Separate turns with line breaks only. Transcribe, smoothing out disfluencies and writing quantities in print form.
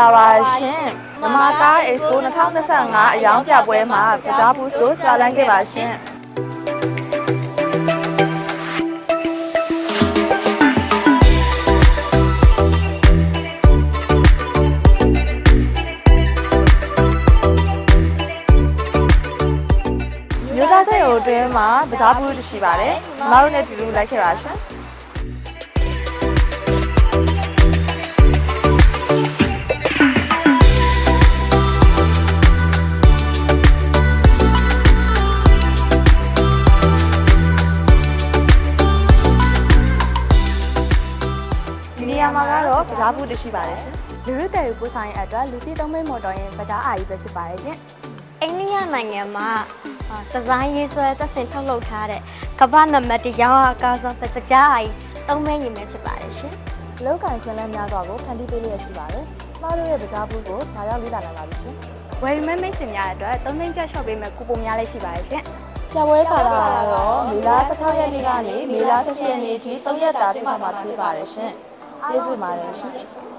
လာပါရှင်။မမကား Expo 2025အယောင်ပြပွဲမှာပကြားဘူးဆိုကြာလန်းခဲ့ပါရှင်။မြို့သားစိတ်အတွင်းမှာပကြားဘူးတရှိပါတယ်။မမတို့နဲ့ဒီလိုလိုက်ခဲ့ပါရှင်။နေရာမှာကတော့ပကြားဘူးတရှိပါတယ်ရှင်
လူရုတယ်ကိုဆိုင်အတွက်လူစီသုံးမိတ်မော်တော်ရင်ပကြားအာကြီးပဲဖြစ်ပါတယ်ရှင်
အိန္ဒိယနိုင်ငံမှာဒီဇိုင်းရေးဆွဲသက်စင်ထုတ်လုပ်ထားတဲ့ကမ္ဘာနံပါတ်1ရောင်းအားအကားဆုံးပကြားအာကြီးသုံးမဲညီမဲဖြစ်ပါတယ်ရှင်
လောက်ကင်ခွင့်လန်းများစွာကိုဖန်တီးပေးလျက်ရှိပါတယ်ကျမတို့ရဲ့ပကြားဘူးကိုလာရောက်လေ့လာနိုင်ပါပြီရှင်ဝယ်မဲမိတ်ဆွေများအတွက်3သိန်းကျပ်ရှော့ပေးမဲ့ကူပုံများလည်းရှိပါတယ်ရှင်ပြပွဲကာလကတော့မေလ16ရက်နေ့ကနေမေလ18ရက်နေ့အထိ3ရက်တာပြည့်မှာဖြစ်ပါတယ်ရှင်ကျေးဇူးပါတယ်ရှင်